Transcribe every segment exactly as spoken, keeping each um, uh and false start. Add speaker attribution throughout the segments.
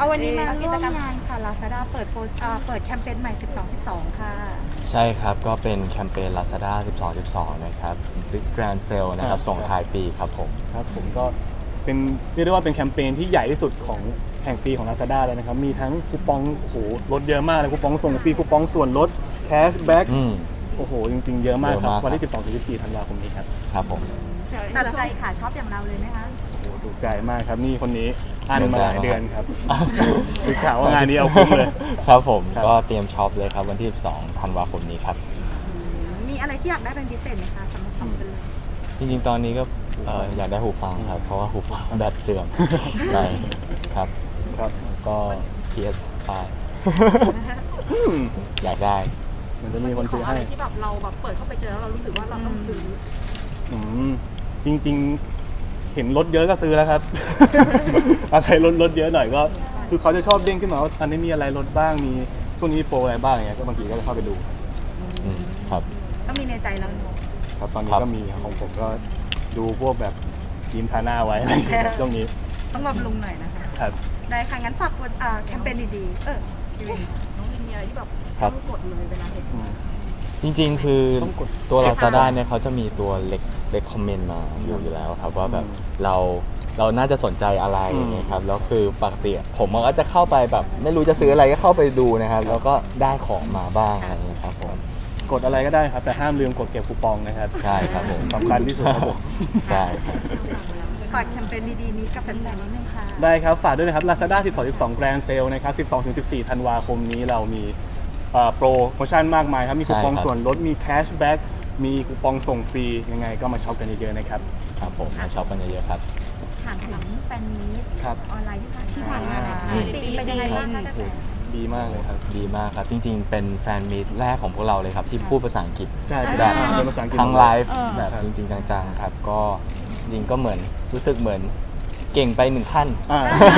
Speaker 1: เอาวันนี้มาร่วมงานค่ะ Lazada เปิดโปรเอ่อเปิดแคมเปญใหม่ สิบสอง สิบสอง ค่ะ
Speaker 2: ใช่ครับก็เป็นแคมเปญ Lazada สิบสอง สิบสอง นะครับ Big Grand Sale นะครับส่งท้ายปีครับผม
Speaker 3: ครับผมก็เป็นเรียกได้ว่าเป็นแคมเปญที่ใหญ่ที่สุดของแห่งปีของ Lazada เลยนะครับมีทั้งคูปองโอ้โหลดเยอะมากเลยคูปองส่งฟรีคูปองส่วนลดแคชแบ็ก
Speaker 2: อืม
Speaker 3: โอ้โหจริงๆเยอะมากครับ
Speaker 2: เยอะมาก
Speaker 3: วันที่ สิบสองถึงสิบสี่ ธันวาคมนี้ครับ
Speaker 2: ครับผม
Speaker 1: ตัดใจค่ะชอบอย่างเราเลยไหมคะ
Speaker 3: โอ้โหถูกใจมากครับนี่คนนี้อ่านมาหลาย
Speaker 2: ถูกใจมาก
Speaker 3: เดือนครับคือข่าวว่างานนี้เอาคุ้มเลย
Speaker 2: ครับผม
Speaker 3: ครับ
Speaker 2: ก็เตรียมช็อปเลยครับวันที่สิบสองธันวาคมนี้ครับ
Speaker 1: มีอะไรที่อยากได้เป็นพิเศษไหมคะสำหรับสองคนเลย
Speaker 2: จริงๆ ตอนนี้ก็เอ่ออยากได้หูฟังครับ เพราะว่าหูฟังแบตเสื่อมใช่ครับ
Speaker 3: ครับ
Speaker 2: แล้วก็ พี เอส ไฟว์
Speaker 3: อืม
Speaker 2: อยากได้
Speaker 3: มันจะมีคนซื้อ
Speaker 4: อะ
Speaker 3: ให้
Speaker 4: ไรที่แบบเราแบบเปิดเข้าไปเจอแล้วเรารู้สึกว่าเราต้องซื้อ
Speaker 3: อืมจริงๆ เห็นรถเยอะก็ซื้อแล้วครับ อะไรรถรถเยอะหน่อยก็ คือเขาจะชอบเด้งขึ้นมาว่าอันนี้มีอะไรลดบ้างมีช่วงนี้มีโปรอะไรบ้างอย่างเงี้ยก็บางทีก็จะเข้าไปดู
Speaker 2: อืมครับ
Speaker 1: ก็มีในใจแล้วเนอะ
Speaker 3: ครับตอนนี้
Speaker 2: ครับ
Speaker 3: ก็มีของผมก็ดูพวกแบบทีมทาหน้าไว้อะไรอย่างเงี้ยครับช่วงนี้
Speaker 1: ต้องบำรุงหน่อยนะคะ
Speaker 3: ครับ
Speaker 1: ได้ค่ะ งั้นฝากกดอ่าแคมเปญดีๆ เออพี่วิน
Speaker 4: น้องวินมีอะไรที่แบบ
Speaker 2: ครับ
Speaker 4: ต้องกดเลยเวลาเห็น
Speaker 3: อืม
Speaker 2: จริงๆ คือ
Speaker 3: ต้องกด
Speaker 2: ตัว Lazada เนี่ยเขาจะมีตัวเล็กเล็กคอมเมนต์มาอยู่อยู่แล้วครับว่าแบบ
Speaker 3: อืม
Speaker 2: เราเราน่าจะสนใจอะไร
Speaker 3: อืม
Speaker 2: อย่างเงี้ยครับแล้วคือปกติผมมันก็จะเข้าไปแบบ ไม่รู้จะซื้ออะไรก็เข้าไปดูนะครับแล้วก็ได้ของมาบ้างอะไรอย่างเงี้ยครับผม
Speaker 3: กดอะไรก็ได้ครับ แต่ห้ามลืมกดเก็บคูปองนะครับ
Speaker 2: ใช่ครับผม
Speaker 3: สำคัญที่สุดครับผม
Speaker 2: ใช่ครับ
Speaker 1: ฝากแคมเปญดีๆนี้กับแฟนๆนิดนึงค่ะ
Speaker 3: ได้ครับฝากด้วยนะครับ Lazada สิบสอง สิบสอง Grand Sale นะครับ สิบสองถึงสิบสี่ ธันวาคมนี้เรามีเอ่อโปรโมชั่นมากมายครับมีคูปอง
Speaker 2: ใช่ครับ
Speaker 3: ส่วนลดมีแคชแบ็กมีคูปองส่งฟรียังไงก็มาช็อปกันเยอะๆนะครับ
Speaker 2: ครับผมมาช็อปกันเยอะๆครับ
Speaker 1: ถามถึงแฟนมีต
Speaker 3: ครับ
Speaker 1: ออนไลน์ที่ผ่านที่ผ่านมา
Speaker 2: อืม
Speaker 1: ปีเป็นยังไงบ้างคะกระแส
Speaker 3: ดีมากเลยครับ
Speaker 2: ดีมากครับ จริงๆ เป็นแฟนมีตแรกของพวกเราเลยครับ ที่พูดภาษาอังกฤษ
Speaker 3: ใช่
Speaker 2: แบบ
Speaker 3: เป็นภาษาอังกฤษ
Speaker 2: ทั้งไลฟ์
Speaker 1: เออ
Speaker 2: แบบ
Speaker 3: ครับ
Speaker 2: จริงๆจังๆครับ ก็จริงๆก็เหมือนรู้สึกเหมือนเก่งไปหนึ่งขั้น
Speaker 3: อ่า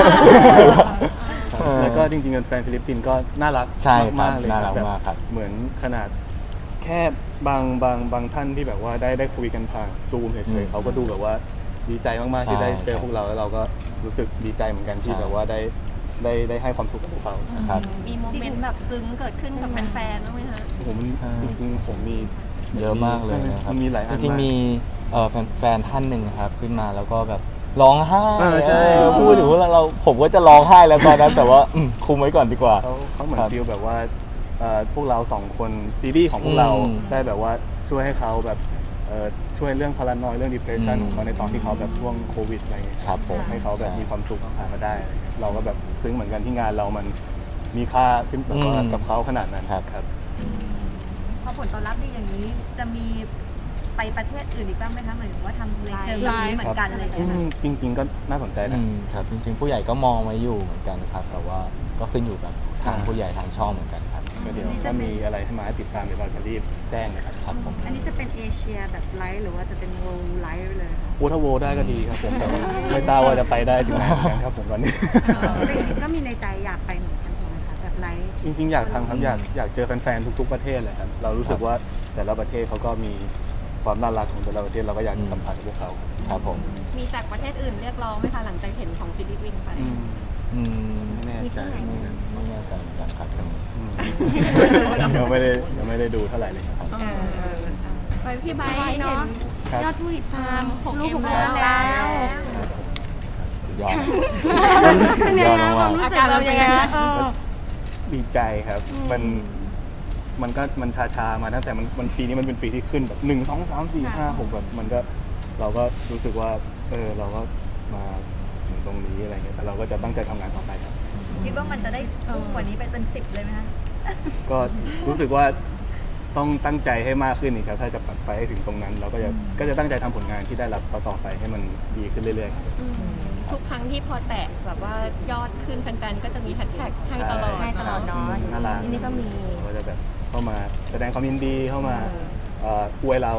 Speaker 3: แล้วก็จริงๆแฟนฟิลิปปินส์ก็น่ารัก
Speaker 2: ใช่ครับ
Speaker 3: มากๆเลย
Speaker 2: น่ารัก
Speaker 3: แบบ
Speaker 2: มากครับ
Speaker 3: เหมือนขนาดแค่บางบางบางท่านที่แบบว่าได้ได้คุยกันผ่านซูมเฉยๆเขาก็ดูแบบว่าดีใจมากๆที่ได้เจอพวกเราแล้วเราก็รู้สึกดีใจเหมือนกันที่แบบว่าได้ได้ได้ให้ความสุขกับพวกเขา
Speaker 2: ครับ
Speaker 4: มีโมเมนต์แบบซึ้งเกิดขึ้นกับแฟนๆบ้างไหมคะ
Speaker 3: โอ้โหมัน
Speaker 2: อ่า
Speaker 3: จริงๆผมมี
Speaker 2: เยอะมากเลยนะครับ
Speaker 3: มันมีหลายอัน
Speaker 2: จริง
Speaker 3: มาก
Speaker 2: ๆมีเอ่อแฟนแฟนท่านหนึ่งครับขึ้นมาแล้วก็แบบร้องไห้
Speaker 3: เออใช่
Speaker 2: เออพูดถึงว่าเราผมก็จะร้องไห้แล้วตอนนั้น แต่ว่าอืมคุมไว้ก่อนดีกว่า
Speaker 3: เขาเขาเหมือน
Speaker 2: ครับ
Speaker 3: ฟีลแบบว่าเอ่อพวกเราสองคนซีรีส์ของพวกเรา
Speaker 2: อืม
Speaker 3: ได้แบบว่าช่วยให้เขาแบบเอ่อช่วยเรื่องพารานอยเรื่อง depression
Speaker 2: อืม
Speaker 3: ของเขาในตอนที่เขาแบบช่วงโควิดอะไรเงี้ย
Speaker 2: ครับผม
Speaker 3: ให้เขาแบบ
Speaker 2: ใช่
Speaker 3: มีความสุขผ่านมาได้อะไรเงี้ยเราก็แบบซึ้งเหมือนกันที่งานเรามันมีค่าขึ้นแบบว่า
Speaker 2: อืม
Speaker 3: กับเขาขนาดนั้น
Speaker 2: ครับ
Speaker 3: ครับ
Speaker 1: พอผลตอบรับดีอย่างนี้จะมีไปประเทศอื่นอีกบ้างไหมคะหมายถึงว่าทำในเชิงแบบนี้เหมือนกันอะไรอย่าง
Speaker 3: อื
Speaker 1: เงี้ย
Speaker 3: มจริง ๆ ก็น่าสนใจนะ
Speaker 2: อืมครับจริงๆผู้ใหญ่ก็มองไว้อยู่เหมือนกันครับ แต่ว่าก็ขึ้นอยู่กับทาง
Speaker 3: อ่า
Speaker 2: ผู้ใหญ่ทางช่องเหมือนกันครับ
Speaker 3: ก็เดี๋ยวถ้ามีอะไรให้มาให้ติดตามเดี๋ยวเราจะรีบแจ้งนะครับ
Speaker 2: ครับผม
Speaker 1: อันนี้จะเป็นเอเชียแบบไลฟ์หรือว่าจะเป็นโวลไลฟ์เลยคะ
Speaker 3: โอทาโวได้ก็ดีครับผมแต่ว่าไม่ทราบว่าจะไปได้ถึงไหนเหมือนกันครับผมตอนนี้
Speaker 1: จริงๆก็มีในใจอยากไปเหมือนกันถูกไหมคะแบบไลฟ์
Speaker 3: จริงๆ อยากทำครับอยากอยากเจอแฟนๆ ทุกๆ ประเทศเลยครับเรารู้สึกว่าแต่ละประเทศเขาก็มีความน่ารักของแต่ละประเทศเราก็อยากจะสัมผัสกับพวกเขา
Speaker 2: ครับผม
Speaker 4: มีจากประเทศอื่นเรียกร้องไหมคะหลังจากเห็นของฟิลิปปินส์ไป
Speaker 3: อืม
Speaker 2: อืม
Speaker 3: ไม่แน่ใจ
Speaker 2: ไม่ไม่แน่ใจเหมือนกันครับตรงนี้
Speaker 3: อืมยังไม่ได้ยังไม่ได้ดูเท่าไหร่เลยครับ
Speaker 4: ไปพี่ไบร์ทเนาะ
Speaker 3: ครับ
Speaker 4: ยอดผู้ติดตามหก
Speaker 1: ลู
Speaker 4: เอ็
Speaker 1: ก
Speaker 4: ม
Speaker 1: ของ
Speaker 4: แล้
Speaker 1: เรา
Speaker 4: ว
Speaker 1: แล้ว
Speaker 2: สุดยอด
Speaker 4: เป็นไง
Speaker 2: ยอด
Speaker 4: คะ
Speaker 2: มาก
Speaker 4: อาการเรายังไงคะ
Speaker 3: ดีใจครับ มันมันก็มันชาชาๆมาตั้งแต่มันมันปีนี้มันเป็นปีที่ขึ้นแบบหนึ่งสองสามสี่ห้าหกแบบมันก็เราก็รู้สึกว่าเออเราก็มาถึงตรงนี้อะไรเงี้ยแต่เราก็จะตั้งใจทำงานต่อไปครับ
Speaker 1: คิดว่ามันจะได้พุ่งกว่านี้ไปเป็นสิบเลยไหมคะ
Speaker 3: ก็รู้สึกว่าต้องตั้งใจให้มากขึ้นอีกครับถ้าจะไปให้ถึงตรงนั้น เราก็จะก็จะตั้งใจทำผลงานที่ได้รับต่อๆไปให้มันดีขึ้นเรื่อยๆ
Speaker 4: อืมทุกครั้งที่พอแตะแบบว่ายอดขึ้นแฟนๆก็จะมีแฮชแท็กให้ตลอด
Speaker 1: ให้ตลอดเนาะ
Speaker 3: น่ารัก
Speaker 4: ที่นี่ก็มี
Speaker 3: ก็จะแบบเข้ามาแสดงความยินดีเข้ามาเอ่ออวยเรา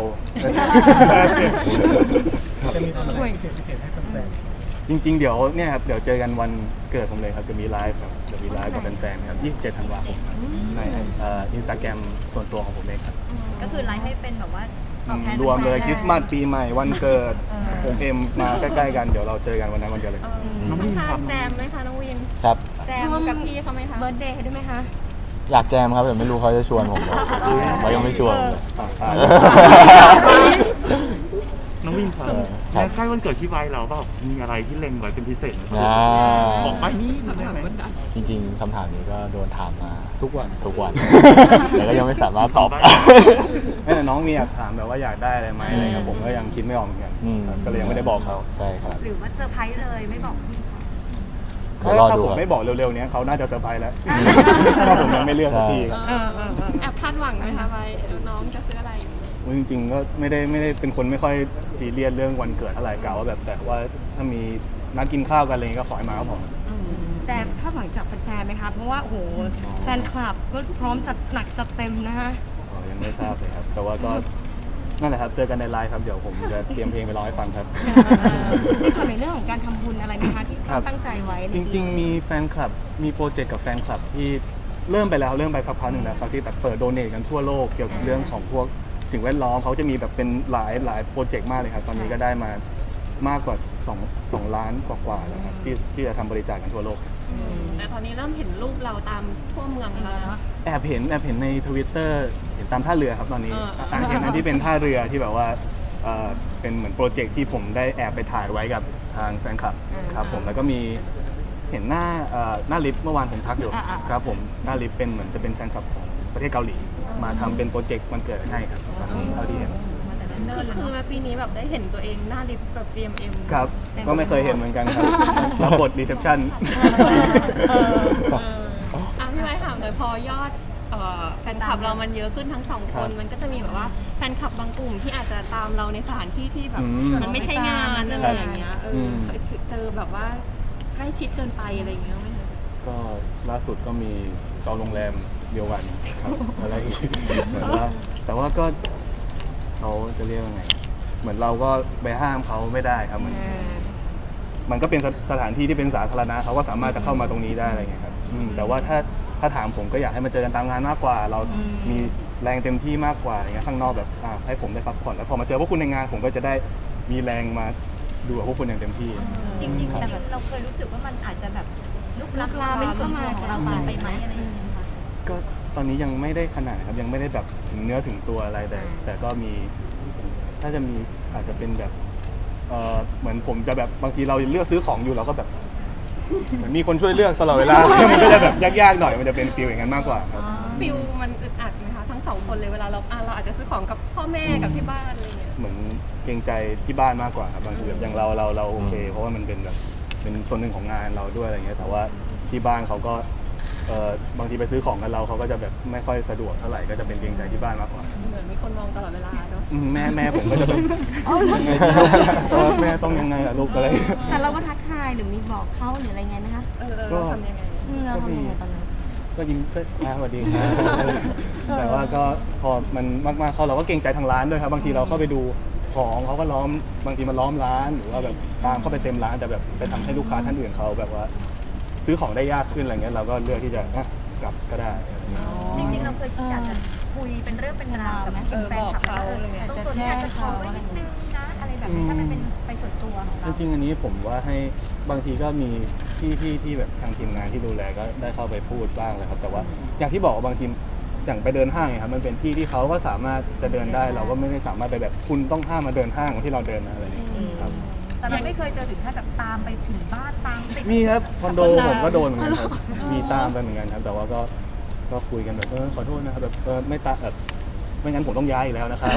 Speaker 5: จะมีอะไรพิเศษพิเศษให้แฟน
Speaker 3: จริงๆ เดี๋ยวเนี่ยครับเดี๋ยวเจอกันวันเกิดผมเลยครับจะมีไลฟ์ครับจะมีไลฟ์กับแฟนๆครับยี่สิบเจ็ดธันวาคมครับในอินสตาแกรมส่วนตัวของผมเองครับ
Speaker 1: ก็คือไลฟ์ให้เป็นแบบว่า
Speaker 3: อืมรวมเลยคริสต์มาสปีใหม่วันเกิดผมเอ็มมาใกล้ๆกันเดี๋ยวเราเจอกันวันนั้นวันเดียวเลย
Speaker 4: เออต้องทานแจมไหมคะน้องวิน
Speaker 2: ครับ
Speaker 4: แจมกับพี่เขาไหมคะ
Speaker 6: เบิร์ธเดย์ด้วยไหมคะ
Speaker 2: อยากแจมครับแต่ไม่รู้เขาจะชวนผมหรือเปล่าเขายังไม่ชวนเลย
Speaker 3: อ่าอ่า
Speaker 5: น้องวินครับ
Speaker 2: ครับ
Speaker 5: ในค่ายวันเกิดที่ไว้เราเปล่ามีอะไรที่เล็งไว้เป็นพิเศษไหม
Speaker 2: อ่า
Speaker 5: บอกไปนี่ได้ไหม
Speaker 2: จริงๆคำถามนี้ก็โดนถามมา
Speaker 3: ทุกวัน
Speaker 2: ทุกวัน แต่ก็ยังไม่สามารถตอบได้
Speaker 3: ไม่แต่น้องมีอยากถามแบบว่าอยากได้อะไรไหมอะไรครับผมก็ยังคิดไม่ออกเหมือนกัน
Speaker 2: อืม
Speaker 3: ครับก็เลยยังไม่ได้บอกเขา
Speaker 2: ใช่ครับ
Speaker 1: หรือว่าเซอร์ไพรส์เลยไม่บอกพี่เขา
Speaker 2: เดี๋ยวรอ
Speaker 3: ถ้า
Speaker 2: ดู
Speaker 3: ผม
Speaker 2: ครับ
Speaker 3: ไม่บอกเร็วๆเนี้ยเขาน่าจะเซอร์ไพรส์แล้วถ้าผมยังไม่เลือกสักที
Speaker 4: เออเออเออแอบคาดหวังไหมคะไว้น้องจะซื้ออะไร
Speaker 3: อุ๊ยจริงๆก็ไม่ได้ไม่ได้เป็นคนไม่ค่อยซีเรียสเรื่องวันเกิดเท่าไหร่กล่าวว่าแบบแต่ว่าถ้ามีนัดกินข้าวกันอะไรอย่างเงี้ยก็ขอให้มาก็พอ
Speaker 6: แต่คาดหวังจากแฟนๆไหมคะเพราะว่าโอ้โหแฟนคลับก็พร้อมจัดหนักจัดเต็มนะคะ
Speaker 3: อ๋อยังไม่ทราบเลยครับ แต่ว่าก็นั่นแหละครับเจอกันในไลฟ์ครับเดี๋ยวผมจะเตรียมเพลงไปร้องให้ฟังครับ
Speaker 6: ในส่วนในเรื่องของการทำบุญอะไรนะคะที่
Speaker 3: ครับ
Speaker 6: ตั้งใจไว้ใน
Speaker 3: จริงๆ มีแฟนคลับ มีโปรเจกต์กับแฟนคลับที่เริ่มไปแล้วเริ่มไปสักพักหนึ่งแล้วครับที่แบบเปิดโดเนทกันทั่วโลกเกี่ยวกับเรื่องของพวกสิ่งแวดล้อมเขาจะมีแบบเป็นหลายหลายโปรเจกต์มากเลยครับตอนนี้ก็ได้มามากกว่า2 2ล้านกว่าๆแล้วครับที่ที่จะทำบริจาคกันทั่วโลกครับ
Speaker 4: แต่ตอนนี้เริ่มเห็นรูปเราตามทั่วเมืองแล้วนะ
Speaker 3: แอบเห็นแอบเห็นในทวิตเตอร์เห็นตามท่าเรือครับตอนนี้
Speaker 4: เออ
Speaker 3: อ่าเห็นอันที่เป็นท่าเรือที่แบบว่าเอ่อเป็นเหมือนโปรเจกต์ที่ผมได้แอบไปถ่ายไว้กับทางแฟนคลับครับผมแล้วก็มีเห็นหน้าเอ่อหน้าลิฟต์เมื่อวานผมทักอยู่ครับผมหน้าลิฟต์เป็นเหมือนจะเป็นแฟนคลับของประเทศเกาหลี มาทำเป็นโปรเจกต์วันเกิดให้ครับตอนนี้เท่าที่เห็น
Speaker 4: คือคือปีนี้แบบได้เห็นตัวเองหน้าลิฟต์แบบ จี เอ็ม เอ็ม
Speaker 3: ครับก็ไม่เคยเห็นเหมือนกันครับรับบทรีเซพชั่น
Speaker 4: เออเอออ่ะพี่ไว้ถามเลยพอยอดเอ่อแฟนคลับเรามันเยอะขึ้นทั้งสองคน มันก็จะมีแบบว่าแฟนคลับบางกลุ่มที่อาจจะตามเราในสถานที่ที่แบบ
Speaker 3: อืม
Speaker 4: มันไม่ใช่งานอะไรอย่างเงี้ยเออ
Speaker 3: ม
Speaker 4: เคยเจอแบบว่าใกล้ชิดเกินไปอะไรอย่างเงี้ยไหมคะ
Speaker 3: ก็ล่าสุดก็มีจองโรงแรมเดียวกันครับอะไรอีกเหมือนว่าแต่ว่าก็เขาจะเรียกว่าไง เหมือนเราก็ไปห้ามเขาไม่ได้ครับมันมันก็เป็นสสถานที่ที่เป็นสาธารณะเขาก็สามารถจะเข้ามาตรงนี้ได้อะไรเงี้ยครับอืมแต่ว่าถ้าถ้าถามผมก็อยากให้มาเจอกันตามงานมากกว่า เรามีแรงเต็มที่มากกว่าอย่างเงี้ยข้างนอกแบบอ่าให้ผมได้พักผ่อนแล้วพอมาเจอพวกคุณในงาน ผมก็จะได้มีแรงมาดูกับพวกคุณอย่างเต็มที่
Speaker 1: จริงๆแต่เราเคยรู้สึกว่ามันอาจจะแบบลุกล้ำลามเข้ามาของเราไปไหมอะไรอย่างเงี้ยค่ะ
Speaker 3: ก็ตอนนี้ยังไม่ได้ขนาดนะครับยังไม่ได้แบบถึงเนื้อถึงตัวอะไรแต่ แต่ก็มีถ้าจะมีอาจจะเป็นแบบเออเหมือนผมจะแบบบางทีเราเลือกซื้อของอยู่เราก็แบบเหมือนมีคนช่วยเลือกตลอดเวลา มันก็จะแบบยากๆหน่อยมันจะเป็นฟีลอย่างนั้นมากกว่าครับ
Speaker 4: ฟิลมันอึดอัดไหมคะทั้งสองคนเลยเวลาเราอ่ะเราอาจจะซื้อของกับพ่อแม่กับที่บ้านอะไรอย่างเงี้ย
Speaker 3: เหมือนเกรงใจที่บ้านมากกว่าครับบางทีแบบอย่างเราเราเราโอเค เพราะว่ามันเป็นแบบเป็นส่วนหนึ่งของงานเราด้วยอะไรเงี้ยแต่ว่าที่บ้านเขาก็เออบางทีไปซื้อของกันเราเขาก็จะแบบไม่ค่อยสะดวกเท่าไหร่ก็จะเป็นเกรงใจที่บ้านมากกว่า
Speaker 4: เหมือนมีคนมองตลอดเวลาเนาะ
Speaker 3: อืมแม่แม่ผมก็จะแบบยังไงดีเออแม่ต้องยังไงล่ะลูกอะไร
Speaker 6: แต่เราก็ทักทายหรือมีบอกเขาหรืออะไรไงนะคะ
Speaker 4: เออเออเราทำยังไง
Speaker 6: อืมเราทำยังไงตอนนั้น
Speaker 3: ก็ยิ้มก็ช้าสวัสดีครับแต่ว่าก็พอมันมากๆเข้าเราก็เกรงใจทางร้านด้วยครับบางทีเราเข้าไปดูของเขาก็ล้อมบางทีมันล้อมร้านหรือว่าแบบตามเข้าไปเต็มร้านแต่แบบไปทำให้ลูกค้าท่านอื่นเขาแบบว่า ซื้อของได้ยากขึ้นอะไรเงี้ยเราก็เลือกที่จะอ่ะกลับก็ได้อะไรเงี้ย
Speaker 1: จริงๆเราเคยคิดอยากจะคุยเป็นเรื่องเป็นราวกับแฟนคลับว่าเออตรงส่วนนี้อาจจะขอไว้นิดนึงนะอะไรแบบนี้ถ้ามันเป็นไปส่วนตัวของ
Speaker 3: จ
Speaker 1: เรา
Speaker 3: ริงๆอันนี้ผมว่าให้บางทีก็มีที่ที่ที่แบบทางทีมงานที่ดูแลก็ได้เข้าไปพูดบ้างเลยครับแต่ว่าอย่างที่บอกว่าบางทีอย่างไปเดินห้างเนี่ยครับมันเป็นที่ที่เขาก็สามารถจะเดินได้เราก็ไม่ได้สามารถไปแบบคุณต้องห้ามมาเดินห้างที่เราเดินนะอะไรอย่างเงี้ยครับ
Speaker 1: แต่เราไม่เคยเจอถึงขั้นแบบตามไปถึงบ้านตามติด
Speaker 3: มีครับคอนโดผมก็โดนเหมือนกันครับมีตามไปเหมือนกันครับ แต่ว่าก็ก็คุยกันแบบเออขอโทษนะครับแบบเออไม่ตาแบบไม่งั้นผมต้องย้ายอีกแล้วนะครับ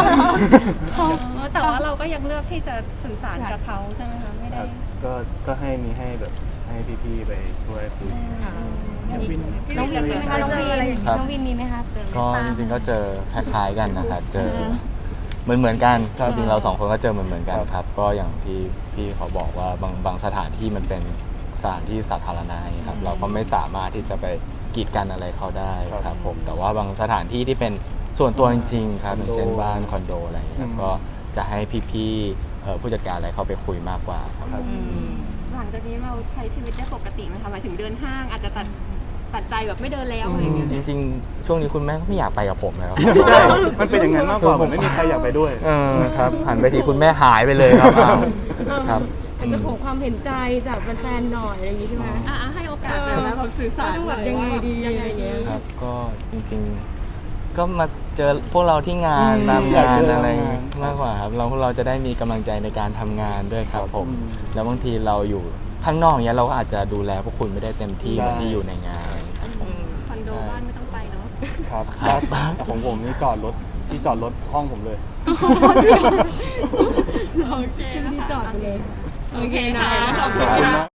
Speaker 4: แต่ว่าเราก็ยังเลือกที่จะสื่อสารกับเขาใช่ไหมคะไม่ได้
Speaker 3: ก็ก็ให้มีให้แบบให้พี่ๆไปช่วยคุย
Speaker 6: น้องวินมีไหมคะน้องวิน
Speaker 2: ครับ
Speaker 6: น้องวินมีไหมคะ
Speaker 2: ก็จริงๆก็เจอคล้ายๆกันนะครับเจอเหมือนเหมือนๆกันก็จริงๆเราสองคนก็เจอเหมือนเหมือนๆกันครับก็อย่างที่พี่เขาบอกว่าบางบางสถานที่มันเป็นสถานที่สาธารณะครับเราก็ไม่สามารถที่จะไปกีดกันอะไรเขาได้ครับผมแต่ว่าบางสถานที่ที่เป็นส่วนตัวจริงๆครับอย่างเช่นบ้านคอนโดอะไรอย่างเงี้ยครับก็จะให้พี่ๆเอ่อผู้จัดการอะไรเข้าไปคุยมากกว่าครับ
Speaker 3: ครับ
Speaker 4: หลังจากนี้เราใช้ชีวิตได้ปกติไหมคะหมายถึงเดินห้างอาจจะตัดตัดใจแบบไม่เดินแล้วอะไรอย่างเงี้ย
Speaker 2: จริงๆ ช่วงนี้คุณแม่ก็ไม่อยากไปกับผมแล้ว
Speaker 3: ใช่มันเป็นอย่างนั้นมากกว่าผมไม่มีใครอยากไปด้วย
Speaker 2: เออครับหันไปทีคุณแม่หายไปเลยครับอ้าวครับ
Speaker 6: อาจจะขอความเห็นใจจากแฟนๆหน่อยอะไรอย่างงี้ใช่ไหม
Speaker 4: อ่ะให้โอกาสเลยนะแบบสื่อสาร
Speaker 6: ต้องแบบยังไงดียังไงดี
Speaker 2: ครับก็จริงๆ ก็มาเจอพวกเราที่งาน
Speaker 3: อืม
Speaker 2: ตาม
Speaker 3: อยาก
Speaker 2: งาน
Speaker 3: เจอ
Speaker 2: อะไร
Speaker 3: ตามงาน
Speaker 2: มากกว่าครับเราพวกเราจะได้มีกำลังใจในการทำงานด้วยครับผม
Speaker 3: อืม
Speaker 2: แล้วบางทีเราอยู่ข้างนอกเนี้ยเราก็อาจจะดูแลพวกคุณไม่ได้เต็มที่
Speaker 3: ใช่
Speaker 2: เหมือนที่อยู่ในงานครับผม
Speaker 4: คอนโดบ้านไม่ต้องไปเนาะ
Speaker 3: ครับ
Speaker 2: ครับ
Speaker 3: บ้านของผมนี่จอดรถที่จอดรถห้องผมเลย
Speaker 6: โอเคที่จอดไปเลย
Speaker 4: โอเคนะ
Speaker 6: ขอบ
Speaker 3: ข
Speaker 6: คุ
Speaker 3: อบ
Speaker 6: ณ
Speaker 3: คุณ
Speaker 6: ค่ะ
Speaker 3: มาก